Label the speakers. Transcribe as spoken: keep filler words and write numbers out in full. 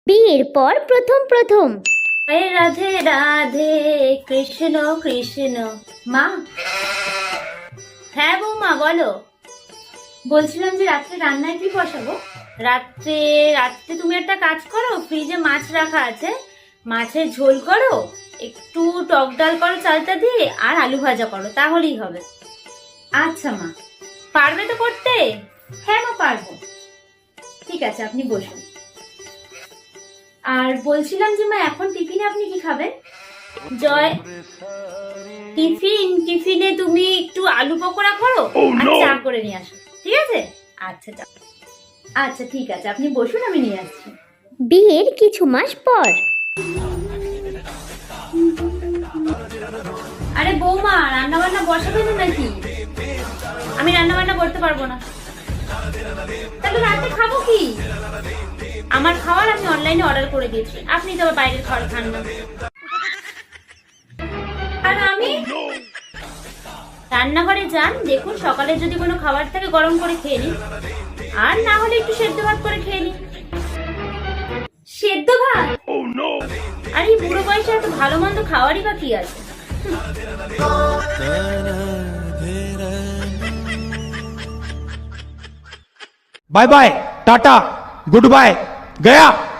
Speaker 1: বিয়ের পর প্রথম প্রথম।
Speaker 2: আরে রাধে রাধে, কৃষ্ণ কৃষ্ণ। মা? হ্যাঁ বৌমা বলো। বলছিলাম যে রাত্রে রান্নায় কি বসাবো? রাত্রে রাত্রে তুমি একটা কাজ করো, ফ্রিজে মাছ রাখা আছে, মাছের ঝোল করো, একটু টক ডাল করো চালটা দিয়ে, আর আলু ভাজা করো, তাহলেই হবে। আচ্ছা মা। পারবে তো করতে? হ্যাঁ মা পারবো। ঠিক আছে, আপনি বসুন। আর বলছিলাম যে মা, এখন টিফিনে আপনি কি খাবেন? জয়, টিফিন টিফিনে তুমি একটু আলু পকোড়া করো আর চা করে নিয়ে আসো, ঠিক আছে? আচ্ছা চা। আচ্ছা ঠিক আছে, আপনি বসুন, আমি নিয়ে আসছি।
Speaker 1: বিয়ের কিছু মাস পর।
Speaker 2: আরে বৌমা, রান্না বান্না বসাবে না নাকি? আমি রান্না বান্না করতে পারবো না। তাহলে রাতে খাবো কি? আমার খাবার আমি অনলাইনে অর্ডার করে দিয়েছি, আপনি তো আবার বাইরের খাবার খান না। আর আমি রান্নাঘরে যান, দেখুন সকালে যদি কোনো খাবার থাকে গরম করে খেয়ে নিন, আর না হলে একটু সেদ্ধ ভাত করে খেয়ে নিন। সেদ্ধ ভাত? আর এই বুড়ো বয়সে এত ভালো মন্দ খাওয়ারই বা কি আছে?
Speaker 3: Bye bye tata good bye गया।